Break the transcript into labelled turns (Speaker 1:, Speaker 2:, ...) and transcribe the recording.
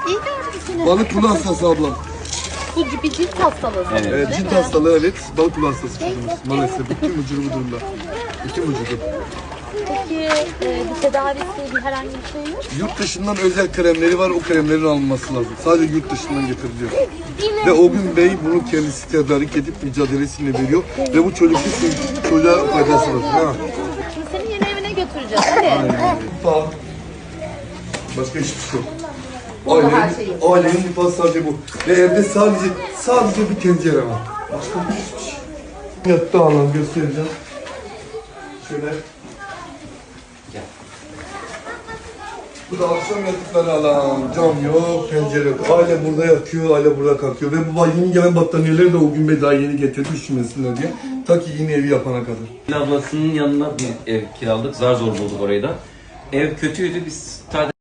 Speaker 1: İyi gördüm seni.
Speaker 2: Balık kulu hastası ablam.
Speaker 1: Bu bir cilt hastalığı sanırım,
Speaker 2: Evet,
Speaker 1: değil
Speaker 2: cilt
Speaker 1: mi?
Speaker 2: hastalığı evet. Balık kulu hastası çocuğumuz. Maalesef bütün vücudu bu durumda. Bütün vücudu.
Speaker 1: Peki bir tedavisi, bir herhangi bir şey yok mu?
Speaker 2: Yurt dışından özel kremleri var. O kremlerin alınması lazım. Sadece yurt dışından getiriliyor. Ve o gün bey bunu kendisi tedarik edip mücadelesini veriyor. Ve bu çocuğa faydası var. Ha.
Speaker 1: Şimdi seni yeni evine götüreceğiz. Hadi.
Speaker 2: Mutfağı. Başka hiçbir şey yok.
Speaker 1: Burada her şey yok.
Speaker 2: Ailenin mutfağı sadece bu. Ve evde sadece bir tencere var. Başka hiçbir şey. Yattı anlam göstereceğim. Şöyle. Bu da akşam yattıkları alan. Cam yok, pencere yok. Aile burada yatıyor, aile burada kalkıyor. Ve baba yeni gelen battaniyeleri de o gün bey daha yeni getirdi üşümesinler diye. Ta ki yeni evi yapana kadar.
Speaker 3: Ablasının yanına bir ev kiraladık. Zar zor bulduk orayı da. Ev kötüydü. Biz